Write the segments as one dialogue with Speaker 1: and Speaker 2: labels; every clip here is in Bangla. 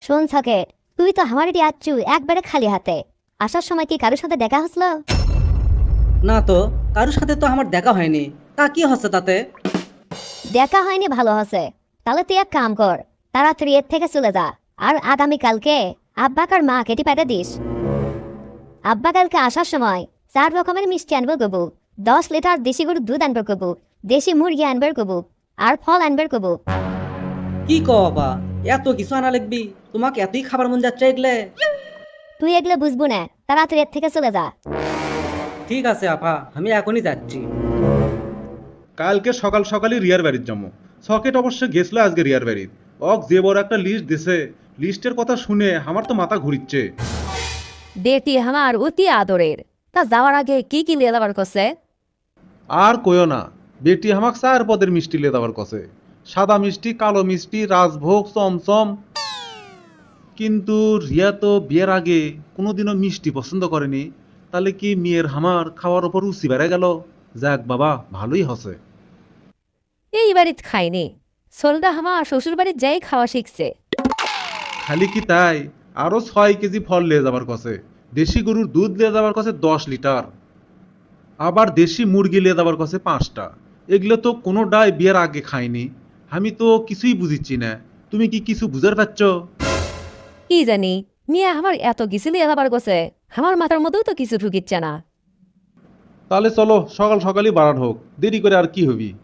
Speaker 1: শোন সকেট, তুই তো আমার এটি আচ্ছু একবারে খালি হাতে। আসার সময় কি কারোর সাথে দেখা হসলো?
Speaker 2: না তো, কারোর সাথে তো আমার দেখা হয়নি। তা কি হচ্ছে তাতে?
Speaker 1: দেখা হয়নি ভালো হসে। তাহলে তুই এক কাম কর, তাড়াতাড়ি এর থেকে চলে যা। আর আগামীকালকে আব্বাকার মা কেটে পেটে দিস। আব্বা কালকে আসার সময় 4 রকমের মিষ্টি আনবে কবু, 10 লিটার দেশি গরুর দুধ আনবে কবু, দেশি মুরগি আনবে কবু, আর ফল আনবে কবু।
Speaker 2: কি কও বাবা, এত কিছু আনা লাগবি? তোমাকে এতই খাবার মন যাচ্ছে এগলে?
Speaker 1: তুই এগুলো বুঝবো না, তাড়াতাড়ি এর থেকে চলে যা।
Speaker 2: ঠিক আছে আপা, আমি এখনই যাচ্ছি।
Speaker 3: কালকে সকাল সকালই রিয়ার বাড়ির জন্ম। সকেট অবশ্য গেছিল আজকে রিয়ার বাড়ির। অক যে বড় একটা লিস্ট দিছে, লিস্টের কথা শুনে আমার তো মাথা ঘুরিচ্ছে।
Speaker 4: বেটি আমার অতি আদরের। তা যাওয়ার আগে কি কি লিয়ে যাবার করছে?
Speaker 3: আর কইও না, বেটি আমাক 4 পদের মিষ্টি লে দেওয়ার কছে। সাদা মিষ্টি, কালো মিষ্টি, রাজভোগ, চমচম। কিন্তু রিয়া তো বিয়ের আগে কোনোদিনও মিষ্টি পছন্দ করেনি। তাহলে কি মেয়ের হামার খাওয়ার ওপর রুচি বেড়ে গেল? যাক বাবা, ভালোই হসে।
Speaker 4: এই বাড়িত খাইনি, সোলদা আমার শ্বশুর বাড়ির যাই খাওয়া শিখছে।
Speaker 3: খালি কি তাই, আরো 6 কেজি ফল লিয়ে যাবার কছে। দেশি গরুর দুধ লিয়ে যাবার কছে 10 লিটার। আবার দেশি মুরগি লিয়ে যাবার কছে 5টা। এগুলো তো কোনোটাই বিয়ের আগে খাইনি। আমি তো কিছুই বুঝিচ্ছি না। তুমি কি কিছু বুঝার পারছ?
Speaker 4: কি জানি, মিয়া আমার এত কিছু লিয়ে যাবার করছে, আমার মাথার মধ্যেও তো কিছু ঢুকিচ্ছে না।
Speaker 3: তাহলে চলো সকাল সকালই বাড়ান হোক, দেরি করে আর কি হবি।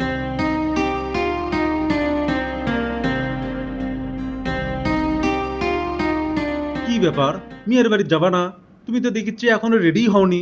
Speaker 3: কি ব্যাপার, মেয়ের বাড়ি যাবা না? তুমি তো দেখিচ্ছি এখনো রেডি হওনি।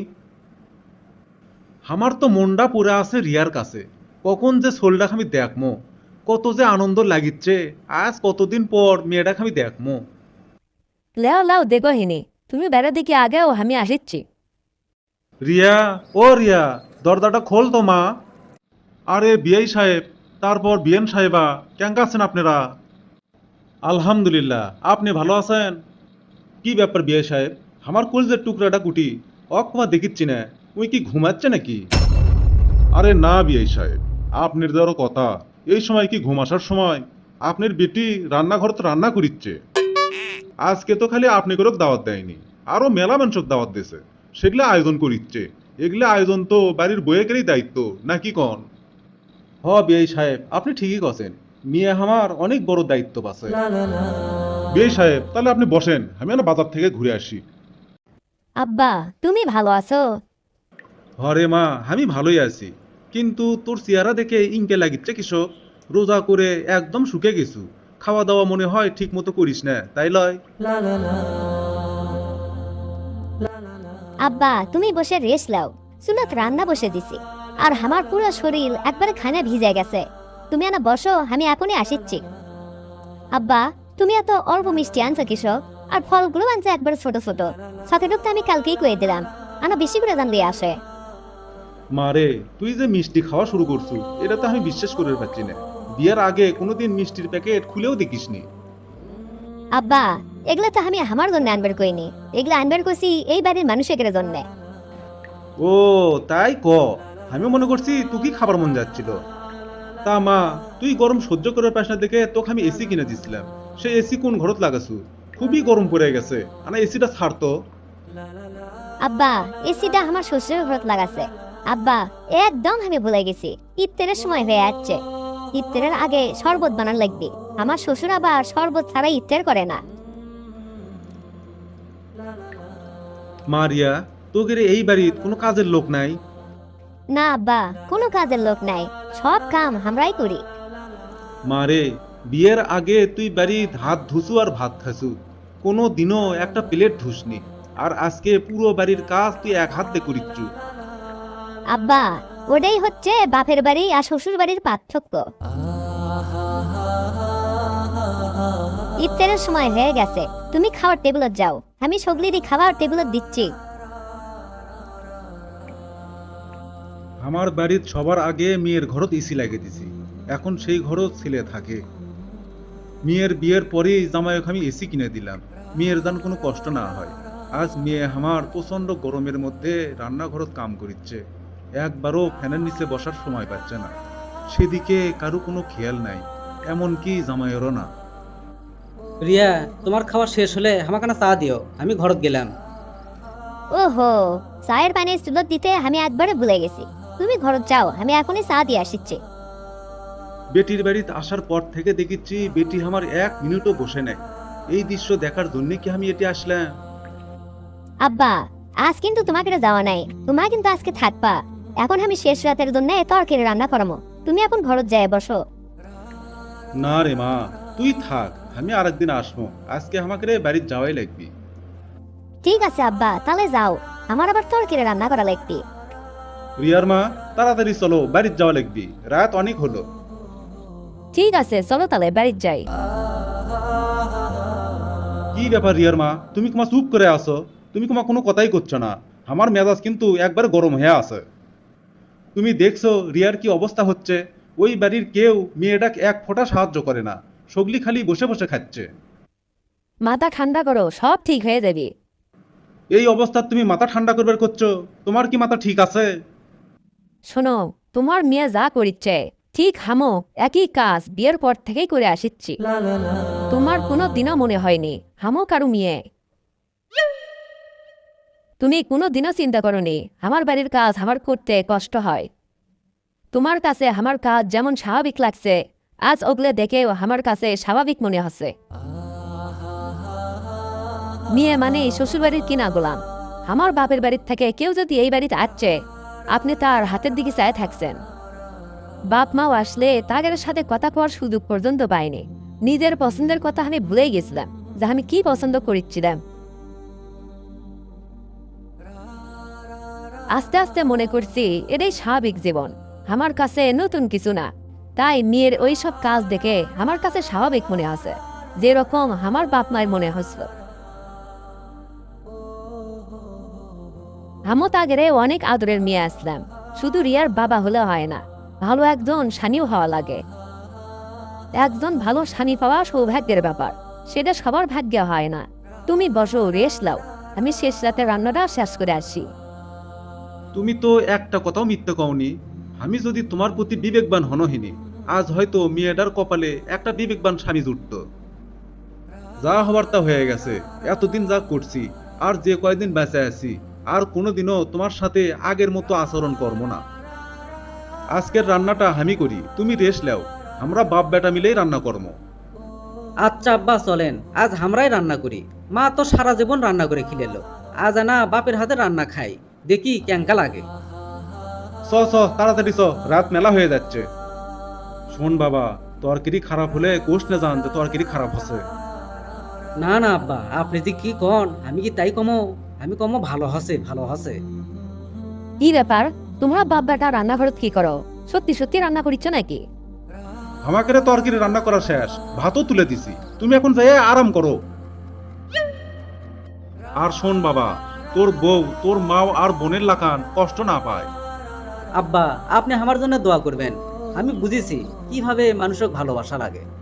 Speaker 3: আমার তো মনটা পুরা আছে রিয়ার কাছে। কখন যে সোলডাক আমি দেখমো, কত যে আনন্দ লাগিচ্ছে। আজ কতদিন পর মেয়েটাকে আমি দেখমো।
Speaker 4: লেও লাও দেখো হিনি, তুমি বেড়া দেখি আগেও আমি আসিচ্ছি।
Speaker 3: রিয়া, ও রিয়া, দরজাটা খোল তো মা। আরে বিআই সাহেব, তারপর বিএন সাহেবা, কেঙ্কা আছেন আপনারা? আলহামদুলিল্লাহ, আপনি ভালো আছেন? কি ব্যাপার বিআই সাহেব, আমার কলজের টুকরাটা কুটি অকমা দেখিচ্ছি না। উই কি ঘুমাচ্ছে নাকি? আরে না বিআই সাহেব, আপনার দেওয়ারও কথা। এই সময় কি ঘুম আসার সময়? আপনার বেটি রান্নাঘর তো রান্না করিচ্ছে। আজকে তো খালি আপনি করে দাওয়াত দেয়নি, আরো মেলা মানুষক দাওয়াত দিয়েছে। সেগুলো আয়োজন করিচ্ছে। এগুলো আয়োজন তো বাড়ির বইয়েরই দায়িত্ব, নাকি কন? হ বিআই সাহেব, আপনি ঠিকই কছেন। মিয়া আমার অনেক বড় দায়িত্ব আছে। বিআই সাহেব, তাহলে আপনি বসেন, আমি না বাজার থেকে ঘুরে আসি।
Speaker 1: আব্বা, তুমি ভালো আছো?
Speaker 3: হরে মা, আমি ভালোই আছি। কিন্তু তোর চেহারা দেখে ইনকে লাগিচ্ছে কৃষক। রোজা করে একদম শুকে গেছু। খাওয়া দাওয়া মনে হয় ঠিক মতো করিস না, তাই লয়?
Speaker 1: আব্বা, তুমি বসে রেস্ট লাও। চুলাত রান্না বসে দিছি, আর আমার পুরো শরীর একবারে খানা ভিজে গেছে। তুমি আনা বসো, আমি এখনই আসিচ্ছি। আব্বা, তুমি এত অল্প মিষ্টি আনছো কৃষক, আর ফলগুলো আনছো একবারে ছোট ছোট। সকেটক তো আমি কালকেই কয়ে দিলাম, আনা বেশি করে জানলে আসে।
Speaker 3: মারে, তুই যে মিষ্টি খাওয়া শুরু করছু, এটা তো আমি বিশ্বাস করে পাচ্ছি না। বিয়ের আগে কোনোদিন মিষ্টির প্যাকেট খুলেও দেখিসনি।
Speaker 1: আব্বা, এগুলো তো আমি আমার জন্য আনবার কইনি, এগুলো আনবার কইছি এই বাড়ির মানুষের জন্য।
Speaker 3: ও, তাই ক। আমি মনে করছি তুই কি খাবার মন যাচ্ছিল। তা মা, তুই গরম সহ্য করার পাস না দেখে তোকে আমি এসি কিনে দিছিলাম। সেই এসি কোন ঘরত লাগাছু? খুবই গরম পড়ে গেছে, আনা এসিটা ছাড়তো।
Speaker 1: আব্বা, এসিটা আমার শ্বশুরের ঘরত লাগাছে। আব্বা, একদম আমি ভুলে গেছি, ইফতারের সময় হয়ে যাচ্ছে। ইফতারের আগে শরবত বানান লাগবে। আমার শ্বশুর আবার শরবত ছাড়া ইফতার করে না।
Speaker 3: মারিয়া, তোদের এই বাড়ির কোনো কাজের লোক নাই?
Speaker 1: না আব্বা, কোনো কাজের লোক নাই, সব কাম আমরাই করি।
Speaker 3: মারে, বিয়ের আগে তুই বাড়ির হাত ধুসু আর ভাত খাসু, কোনো দিনও একটা প্লেট ধুসনি। আর আজকে পুরো বাড়ির কাজ তুই এক হাত দিয়ে করিচ্ছু।
Speaker 1: আব্বা, ওটাই হচ্ছে বাপের বাড়ি আর শ্বশুর বাড়ির পার্থক্য। ইফতারের সময় হয়ে গেছে, তুমি খাওয়ার টেবিলত যাও, আমি সগলিরই খাওয়ার টেবিলত দিচ্ছি।
Speaker 3: আমার বাড়ির সবার আগে মেয়ের ঘরত এসি লাগিয়ে দিছি। এখন সেই ঘরত ছেলে থাকে। মেয়ের বিয়ের পরেই জামাইকে আমি এসি কিনে দিলাম, মেয়ের যেন কোনো কষ্ট না হয়। আজ মেয়ে আমার প্রচন্ড গরমের মধ্যে রান্নাঘরত কাম করিচ্ছে। একবারও ফ্যানের নিচে বসার সময় পাচ্ছে না। সেদিকে কারো কোনো খেয়াল নাই, এমনকি জামাইয়েরও না।
Speaker 2: রিয়া, তোমার খাওয়া শেষ হলে আমাকে না চা দিও, আমি ঘরত গেলাম।
Speaker 1: ওহো, চায়ের পানি স্টুলত দিতে আমি একবারে ভুলে গেছি। তুমি ঘরত যাও, আমি এখনই চা দিয়ে আসিচ্ছি।
Speaker 3: বেটির বাড়িতে আসার পর থেকে দেখিচ্ছি বেটি আমার 1 মিনিটও বসে নেই। এই দৃশ্য দেখার জন্য কি আমি এটি আসলাম?
Speaker 1: আব্বা, আজ কিন্তু তোমাকে যাওয়া নাই, তোমার কিন্তু আজকে থাকবা। এখন আমি শেষ রাতের জন্য তরকারি রান্না করামো, তুমি এখন ঘরত যায় বসো।
Speaker 3: না রে মা, তুই থাক, আমি আরেকদিন আসবো। আজকে আমাকে রে বাড়ির যাওয়াই লাগবি।
Speaker 1: ঠিক আছে আব্বা, তাহলে যাও, আমার আবার তরকারি রান্না করা লাগবে।
Speaker 3: রিয়ার মা, তাড়াতাড়ি চলো, বাড়ির যাওয়া লাগবি, রাত অনেক হলো।
Speaker 4: ঠিক আছে, চলো তাহলে বাড়ির যাই।
Speaker 3: কি ব্যাপার রিয়ার মা, তুমি তোমার চুপ করে আসো? তুমি তোমার কোনো কথাই করছো না। আমার মেজাজ কিন্তু একবার গরম হয়ে আছে। তুমি দেখছো রিয়ার কি অবস্থা হচ্ছে? ওই বাড়ির কেউ মেয়েটাকে এক ফোঁটা সাহায্য করে না, সগলি খালি বসে বসে খাচ্ছে।
Speaker 4: মাথা ঠান্ডা করো, সব ঠিক হয়ে যাবে।
Speaker 3: এই অবস্থা তুমি মাথা ঠান্ডা করবার করছো? তোমার কি মাথা ঠিক আছে?
Speaker 4: শোনো, তোমার মেয়ে যা করিচ্ছে ঠিক হামো একই কাজ বিয়ের পর থেকেই করে আসিচ্ছি। তোমার কোনো দিনও মনে হয়নি হামো কারু মেয়ে। তুমি কোনো দিনও চিন্তা করনি আমার বাড়ির কাজ আমার করতে কষ্ট হয়। তোমার কাছে আমার কাজ যেমন স্বাভাবিক লাগছে, আজ ওগুলো দেখেও আমার কাছে স্বাভাবিক মনে হচ্ছে। মেয়ে মানে শ্বশুরবাড়ির কিনা গোলাম। আমার বাপের বাড়ির থেকে কেউ যদি এই বাড়িতে আসছে, আপনি তার হাতের দিকে চায় থাকছেন। বাপ মাও আসলে তাদের সাথে কথা কওয়ার সুযোগ পর্যন্ত পাইনি। নিজের পছন্দের কথা আমি ভুলেই গেছিলাম যে আমি কি পছন্দ করেছিলাম। আস্তে আস্তে মনে করছি এটাই স্বাভাবিক জীবন, আমার কাছে নতুন কিছু না। তাই মেয়ের ওই সব কাজ দেখে আমার কাছে স্বাভাবিক মনে হচ্ছে, যেরকম আমার বাপ মায়ের মনে হচ্ছিল। আমও তাগেরে অনেক আদরের মেয়ে আসলাম। শুধু রিয়ার বাবা হলে হয় না, ভালো একজন স্বামীও হওয়া লাগে। একজন ভালো স্বামী পাওয়া সৌভাগ্যের ব্যাপার, সেটা সবার ভাগ্যে হয় না। তুমি বসো, রেস্ট লাও, আমি শেষ রাতে রান্নাটা শেষ করে আসি।
Speaker 3: তুমি তো একটা কথাও মিথ্যে কওনি। আমি যদি তোমার প্রতি বিবেকবান হনহিনি, আজ হয়তো মেয়েটার কপালে একটা বিবেকবান স্বামী জুটত। যা হবার তা হয়ে গেছে। এতদিন যা করছি, আর যে কয়দিন বেঁচে আছি, আর কোনোদিনও তোমার সাথে আগের মতো আচরণ করবো না। আজকের রান্নাটা আমি করি, তুমি রেস্ট নাও। আমরা বাপ বেটা মিলেই রান্না করবো।
Speaker 2: আচ্ছা আব্বা, চলেন আজ আমরাই রান্না করি। মা তো সারা জীবন রান্না করে খিলেলো, আজ না বাপের হাতে রান্না খাই, দেখি কেঙ্কা লাগে।
Speaker 3: চ চ, তাড়াতাড়ি চ, রাত মেলা হয়ে যাচ্ছে। শোন বাবা, তরকারি খারাপ হলে কোষ না জান যে তরকারি খারাপ হচ্ছে।
Speaker 2: না না আব্বা, আপনি যে কি কন, আমি কি তাই কমো? আমি কমো ভালো হসে, ভালো হসে।
Speaker 4: কি ব্যাপার, তোমরা বাপ বেটা রান্নাঘরত কি করো? সত্যি সত্যি রান্না করিচ্ছ নাকি?
Speaker 3: আমাকে রে তরকারি রান্না করা শেষ, ভাতও তুলে দিছি, তুমি এখন যাই আরাম করো। আর শোন বাবা, তোর বউ, তোর মাও আর বোনের লাকান কষ্ট না পায়।
Speaker 2: আব্বা, আপনি আমার জন্য দোয়া করবেন। আমি বুঝেছি কিভাবে মানুষকে ভালোবাসা লাগে।